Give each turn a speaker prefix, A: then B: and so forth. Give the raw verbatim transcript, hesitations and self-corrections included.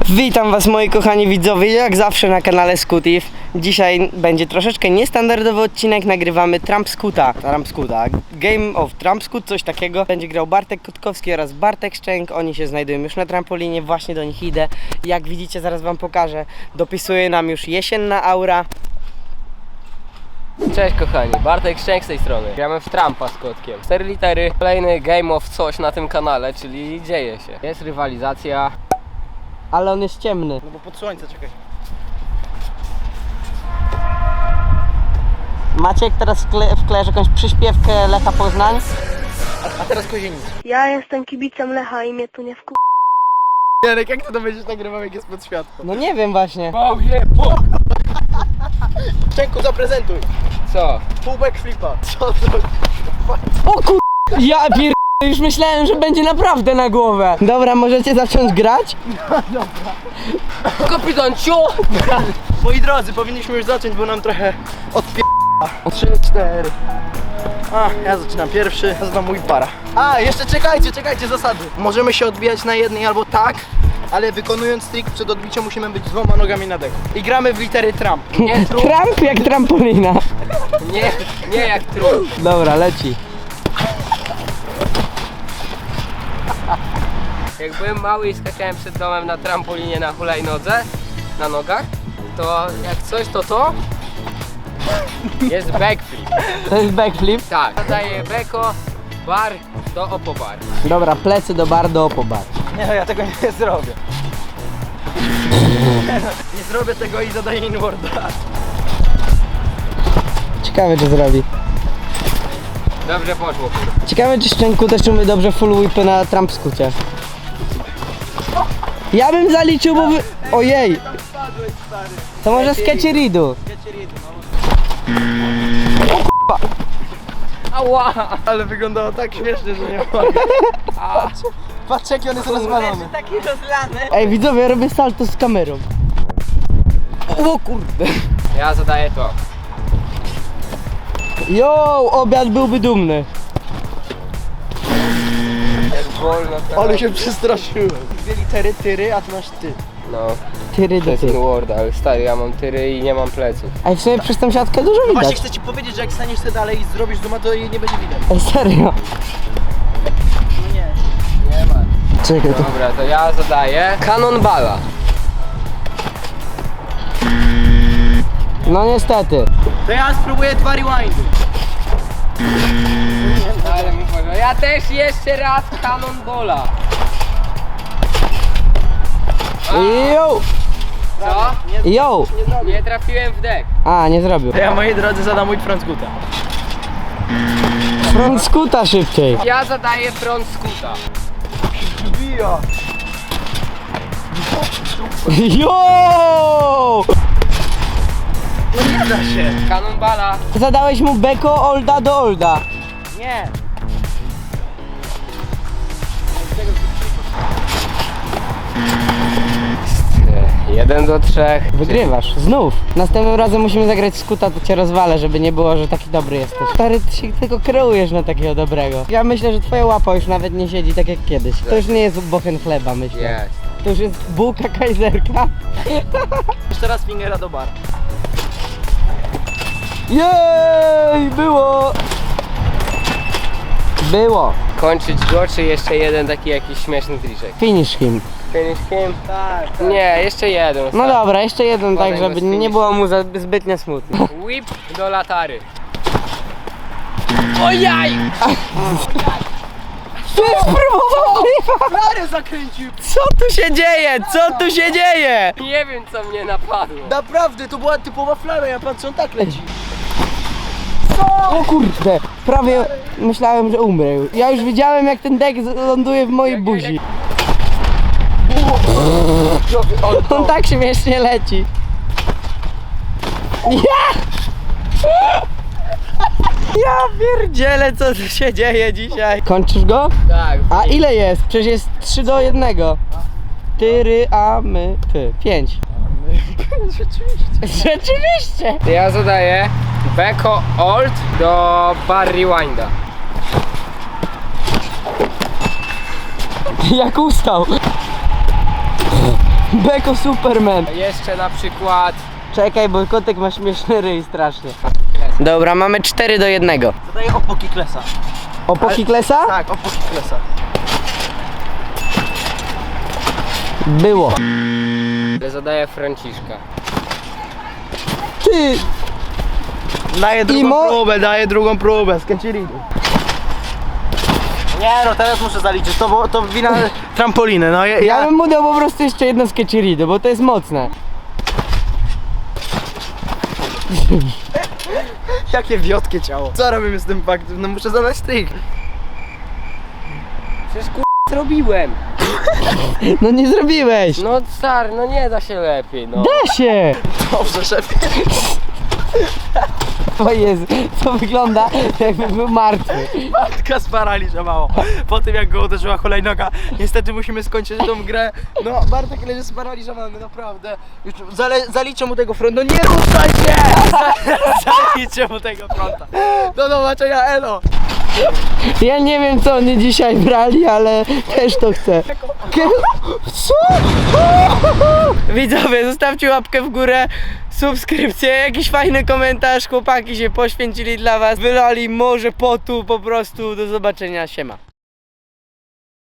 A: Witam was moi kochani widzowie, jak zawsze na kanale Scootif. Dzisiaj będzie troszeczkę niestandardowy odcinek, nagrywamy Trump Scoota, Trump Scoota, Game of Trump Scoot, coś takiego. Będzie grał Bartek Kotkowski oraz Bartek Szczęk, oni się znajdują już na trampolinie, właśnie do nich idę. Jak widzicie, zaraz wam pokażę, dopisuje nam już jesienna aura.
B: Cześć kochani, Bartek Szczęk z tej strony. Gramy w Trumpa z kotkiem. Cztery litery, kolejny game of coś na tym kanale, czyli dzieje się. Jest rywalizacja.
A: Ale on jest ciemny.
C: No bo pod słońce, czekaj.
A: Maciek teraz wkle wklejesz jakąś przyśpiewkę Lecha Poznań?
C: A, a teraz Kozienic.
D: Ja jestem kibicem Lecha i mnie tu nie wku...
C: Jarek, jak ty to będziesz nagrywał, jak jest pod światło?
A: No nie wiem właśnie.
B: Bowie, bo...
C: Szczęku, zaprezentuj.
B: Co?
C: Full backflipa. Co to?
A: O kur... Ja pier... Już myślałem, że będzie naprawdę na głowę. Dobra, możecie zacząć grać?
B: Kapitan Ciu!
C: Moi drodzy, powinniśmy już zacząć, bo nam trochę odpie... Trzy, cztery. A, ja zaczynam pierwszy, to znam mój para. A, jeszcze czekajcie, czekajcie, zasady. Możemy się odbijać na jednej albo tak, ale wykonując trik przed odbiciem musimy być dwoma nogami na deku. I gramy w litery Trump.
B: Nie trud,
A: Trump jak trampolina.
B: nie, nie jak trud.
A: Dobra, leci.
B: Jak byłem mały i skakałem przed domem na trampolinie na hulajnodze, na nogach, to jak coś to to jest backflip.
A: To jest backflip.
B: Tak, zadaję beko, bar do opobar.
A: Dobra, plecy do bar, do opobar.
C: Nie no, ja tego nie zrobię. Nie zrobię tego i zadaję inwarda.
A: Ciekawe, czy zrobi.
B: Dobrze poszło, kurwa.
A: Ciekawe, czy Szczęku też umie dobrze full whipy na Trump Scoocie. Ja bym zaliczył, bo wy... Ojej! To może sketcheridu.
B: Ała!
C: Ale wyglądało tak śmiesznie, że nie mogę. Patrz, patrz jaki on jest rozwalony.
A: Ej widzowie, ja robię salto z kamerą. O kurde.
B: Ja zadaję to.
A: Jo, obiad byłby dumny.
B: Jak wolno to.
C: Ale się przestraszyłem. Dwie litery, tyry, a ty masz ty.
B: No,
A: Tyry
B: to
A: do
B: jest
A: tyry.
B: Word, ale stary, ja mam tyry i nie mam pleców.
A: Ej, w sumie przez tą siatkę dużo
C: No właśnie
A: widać.
C: chcę ci powiedzieć, że jak staniesz sobie dalej i zrobisz zooma, to jej nie będzie widać.
A: Ej, serio.
C: No nie.
B: Nie ma.
A: Czekaj, to...
B: Dobra, to ja zadaję Cannonballa.
A: No niestety.
C: To ja spróbuję dwa rewindy.
B: Ale mi powiedział, ja też jeszcze raz Cannonballa.
A: Jo!
B: Co?
A: Jo!
B: Nie trafiłem w dek.
A: A, nie zrobił.
C: To ja, moi drodzy, zadam mój front scoota.
A: Front Scoota szybciej.
B: Ja zadaję front scoota.
C: Bija.
A: Jo!
C: No nie da się.
B: Cannonballa.
A: Zadałeś mu beko olda do olda.
C: Nie.
B: Jeden do trzech.
A: Wygrywasz, znów. Następnym razem musimy zagrać Scoota, to cię rozwalę, żeby nie było, że taki dobry jesteś. Stary, ty się tylko kreujesz na takiego dobrego. Ja myślę, że twoja łapa już nawet nie siedzi tak jak kiedyś. To już nie jest bochen chleba, myślę.
B: Jest.
A: To już jest bułka kajzerka.
C: Jeszcze raz fingera do bar.
A: Jej, było! Było.
B: Kończyć go, czy jeszcze jeden taki jakiś śmieszny triczek?
A: Finish him.
B: Finish him?
C: Tak, tak.
B: Nie, jeszcze jeden.
A: No dobra, jeszcze jeden, tak
B: Podaj go
A: żeby
B: z finish.
A: nie było mu za, zbytnio smutno.
B: Whip do latary. Ojaj!
A: Tu spróbował!
C: Flary zakręcił.
A: Co tu się dzieje? Co tu się dzieje?
B: Nie wiem co mnie napadło.
C: Naprawdę, to była typowa flara, ja patrzę, on tak leci.
A: O kurde, prawie myślałem, że umrę. Ja już widziałem, jak ten dek ląduje w mojej buzi. On tak śmiesznie leci. Ja! Ja pierdzielę, co tu się dzieje dzisiaj. Kończysz go?
B: Tak.
A: A ile jest? Przecież jest trzy do jednego. Tyry, a my, ty. pięć.
C: Rzeczywiście.
A: Rzeczywiście!
B: Ja zadaję beko old do bar rewinda.
A: Jak ustał. Beko Superman.
B: Jeszcze na przykład...
A: Czekaj, bo kotek ma śmieszny ryj strasznie. Dobra, mamy cztery do jednego.
C: Zadaję opoki klesa.
A: Opoki Klesa?
C: Tak, opoki klesa.
A: Było.
B: Zadaję Franciszka.
A: Ty!
C: Daję drugą
A: Imo?
C: próbę, daję drugą próbę, skręcili. Nie no, teraz muszę zaliczyć, to, było- to wina trampoliny, no ja,
A: Ja
C: ja...
A: bym mu dał po prostu jeszcze jedno sketcherido, bo to jest mocne.
C: Jakie wiotkie ciało. Co robimy z tym faktem? No muszę zadać trik.
B: Przecież kur... zrobiłem.
A: No nie zrobiłeś!
B: No stary, no nie da się lepiej, no.
A: Da się!
C: Dobrze, szefie.
A: O Jezu, to wygląda jakby był martwy.
C: Matka sparaliżowała. Po tym jak go uderzyła hulajnoga. Niestety musimy skończyć tą grę. No, Bartek leży sparaliżowany, naprawdę. Już zale, zaliczę mu tego frontu. No nie ruszaj się! Zaliczę mu tego fronta. Do zobaczenia, elo!
A: Ja nie wiem co oni dzisiaj brali, ale też to chcę. Co? Widzowie, zostawcie łapkę w górę, subskrypcję, jakiś fajny komentarz. Chłopaki się poświęcili dla was, wylali morze potu, po prostu do zobaczenia, siema.